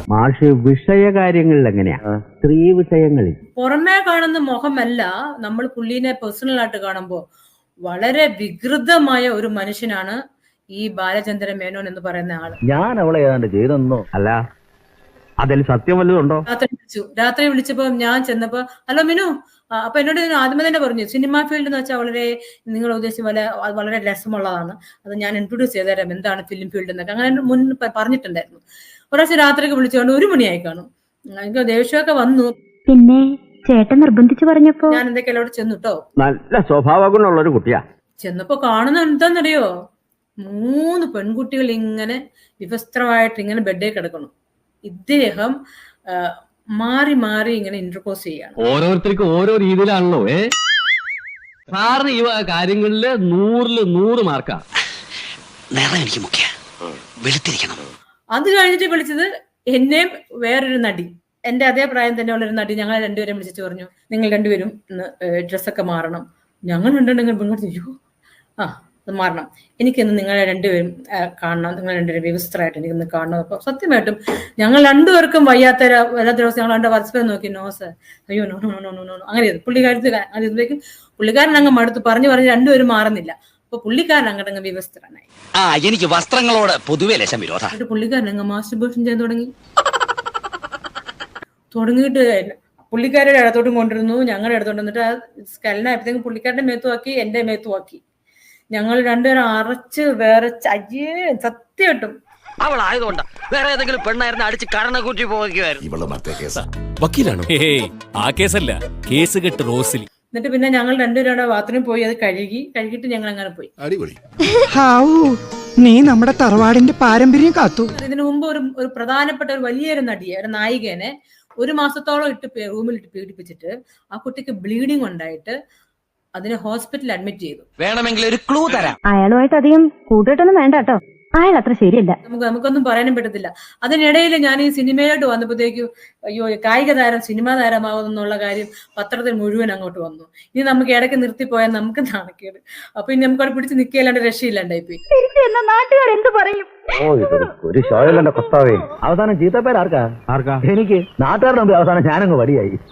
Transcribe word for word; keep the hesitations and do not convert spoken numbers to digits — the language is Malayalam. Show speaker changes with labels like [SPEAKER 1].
[SPEAKER 1] മാഷ് വിഷയകാര്യങ്ങളിൽ എങ്ങനെയാ? സ്ത്രീ വിഷയങ്ങളിൽ
[SPEAKER 2] പുറമേ കാണുന്ന മുഖമല്ല, നമ്മൾ പുള്ളിനെ പേഴ്സണൽ ആയിട്ട് കാണുമ്പോൾ വളരെ വികൃതമായ ഒരു മനുഷ്യനാണ് ഈ ബാലചന്ദ്രൻ മേനോൻ എന്ന് പറയുന്ന ആള്.
[SPEAKER 1] ഞാൻ അവളെ ഏതാണ്ട് ചെയ്തെന്നോ? അല്ല, അതിൽ സത്യം വല്ലതുണ്ടോ?
[SPEAKER 2] രാത്രി വിളിച്ചു രാത്രി വിളിച്ചപ്പോ ഞാൻ ചെന്നപ്പോ, ഹലോ മിനു, അപ്പൊ എന്നോട് ആദ്യമേ തന്നെ പറഞ്ഞു, സിനിമാ ഫീൽഡ് എന്ന് വെച്ചാൽ വളരെ നിങ്ങൾ ഉദ്ദേശിച്ച പോലെ വളരെ രസമുള്ളതാണ്, അത് ഞാൻ ഇൻട്രൊഡ്യൂസ് ചെയ്തുതരാം എന്താണ് ഫിലിം ഫീൽഡ് എന്നൊക്കെ അങ്ങനെ മുൻ പറഞ്ഞിട്ടുണ്ടായിരുന്നു. ഒരാഴ്ച രാത്രിക്ക് വിളിച്ചുകൊണ്ട് ഒരു മണിയായി കാണും. എനിക്ക് ദേഷ്യമൊക്കെ വന്നു.
[SPEAKER 3] പിന്നെ ചേട്ടൻ നിർബന്ധിച്ചു പറഞ്ഞപ്പോ
[SPEAKER 2] ഞാൻ എന്തൊക്കെയല്ലോ അവിടെ ചെന്നുട്ടോ.
[SPEAKER 1] നല്ല സ്വഭാവ ഗുണമുള്ള ഒരു കുട്ടിയാ.
[SPEAKER 2] ചെന്നപ്പോ കാണുന്ന എന്താന്നറിയോ, മൂന്ന് പെൺകുട്ടികൾ ഇങ്ങനെ വിവസ്ത്രമായിട്ട് ഇങ്ങനെ ബെഡേ കിടക്കണം. ഇദ്ദേഹം മാറി മാറി ഇങ്ങനെ ഇന്റർപോസ് ചെയ്യാണ്.
[SPEAKER 4] ഓരോരുത്തർക്കും ഓരോ രീതിയിലാണല്ലോ. ഏ സാറിന് ഈ കാര്യങ്ങളില് നൂറില് നൂറ് മാർക്കാ.
[SPEAKER 5] എനിക്ക് മുഖ്യ വെളുത്തിരിക്കണം.
[SPEAKER 2] അത് കഴിഞ്ഞിട്ട് വിളിച്ചത് എന്നെയും വേറൊരു നടി, എന്റെ അതേ പ്രായം തന്നെയുള്ള ഒരു നടി. ഞങ്ങൾ രണ്ടുപേരും വിളിച്ചിട്ട് പറഞ്ഞു, നിങ്ങൾ രണ്ടുപേരും ഡ്രസ്സൊക്കെ മാറണം. ഞങ്ങൾ രണ്ടുണ്ടെങ്കിൽ പെൺകുട്ടി അയ്യോ ആ അത് മാറണം, എനിക്കിന്ന് നിങ്ങളെ രണ്ടുപേരും കാണണം, നിങ്ങൾ രണ്ടുപേരും വ്യവസ്ഥരായിട്ട് എനിക്കിന്ന് കാണണം. അപ്പൊ സത്യമായിട്ടും ഞങ്ങൾ രണ്ടുപേർക്കും വയ്യാത്ത എല്ലാ ദിവസം ഞങ്ങൾ രണ്ട് പരസ്പരം നോക്കി, നോ സർ, അയ്യോ no no no no no അങ്ങനെ പുള്ളിക്കാരത്തിൽ അതിലേക്ക് പുള്ളിക്കാരൻ അങ്ങ് മടുത്ത് പറഞ്ഞു പറഞ്ഞ് രണ്ടുപേരും മാറുന്നില്ല. അപ്പൊ പുള്ളിക്കാരൻ അങ്ങോട്ടങ്ങ് വ്യവസ്ഥരായി.
[SPEAKER 5] ആ എനിക്ക് വസ്ത്രങ്ങളോട് പൊതുവെ ലക്ഷം വിരോധം.
[SPEAKER 2] എന്നിട്ട് പുള്ളിക്കാരൻ അങ്ങ് മാസ്റ്റർബേഷൻ ചെയ്യാൻ തുടങ്ങി തുടങ്ങിയിട്ട് പുള്ളിക്കാരുടെ ഇടത്തോട്ടും കൊണ്ടിരുന്നു, ഞങ്ങളുടെ ഇടത്തോട്ട് വന്നിട്ട് ആ സ്കലനായപ്പോഴത്തേക്കും പുള്ളിക്കാരുടെ മേത്തുമാക്കി എന്റെ മേത്തുമാക്കി. ഞങ്ങൾ രണ്ടുപേരും അറച്ച് വേറെ അയ്യേ സത്യമായിട്ടും.
[SPEAKER 5] അവളായതുകൊണ്ടാ, വേറെ ഏതെങ്കിലും പെണ്ണായിരുന്നു അടിച്ച് കരണക്കൂറ്റി പോകുമായിരുന്നു.
[SPEAKER 6] വക്കീലാണോ? ആ കേസല്ല, കേസ് കെട്ട് റോസിലി.
[SPEAKER 2] എന്നിട്ട് പിന്നെ ഞങ്ങൾ രണ്ടുപേരും ബാത്റൂമിൽ പോയി അത് കഴുകി കഴുകിയിട്ട് ഞങ്ങൾ അങ്ങനെ പോയി.
[SPEAKER 7] നീ നമ്മുടെ തറവാടിന്റെ പാരമ്പര്യം കാത്തു.
[SPEAKER 2] ഇതിനു മുമ്പ് ഒരു ഒരു പ്രധാനപ്പെട്ട ഒരു വലിയൊരു നടിയെ, ഒരു നായികനെ ഒരു മാസത്തോളം ഇട്ട് റൂമിൽ ഇട്ട് പീഡിപ്പിച്ചിട്ട് ആ കുട്ടിക്ക് ബ്ലീഡിങ് ഉണ്ടായിട്ട് അതിനെ ഹോസ്പിറ്റലിൽ അഡ്മിറ്റ് ചെയ്തു.
[SPEAKER 5] വേണമെങ്കിൽ ഒരു ക്ലൂ തരാം.
[SPEAKER 3] അയാളുമായിട്ട് അധികം കൂട്ടിട്ടൊന്നും വേണ്ട കേട്ടോ, അയാൾ അത്ര ശരിയല്ല.
[SPEAKER 2] നമുക്ക് നമുക്കൊന്നും പറയാനും പറ്റത്തില്ല. അതിനിടയിൽ ഞാൻ ഈ സിനിമയിലോട്ട് വന്നപ്പോഴത്തേക്കും അയ്യോ കായിക താരം സിനിമാ താരമാകുന്നുള്ള കാര്യം പത്രത്തിൽ മുഴുവൻ അങ്ങോട്ട് വന്നു. ഇനി നമുക്ക് ഇടയ്ക്ക് നിർത്തിപ്പോയാൽ നമുക്ക് നാണക്കേട്. അപ്പൊ ഇനി നമുക്ക് അവിടെ പിടിച്ച് നിൽക്കുകയല്ലാണ്ട് രക്ഷയില്ലാണ്ടായി പോയി.
[SPEAKER 3] നാട്ടുകാർ എന്ത് പറയും?
[SPEAKER 1] ഓ ഇതൊരു ഒരു ഷോയിലെ കർത്താവേ. അവസാനം ചീത്തപ്പേര് ആർക്കാ? ആർക്കാ? എനിക്ക്. നാട്ടുകാരുടെ മുമ്പിൽ അവസാനം ഞാനങ്ങ് വടിയായി.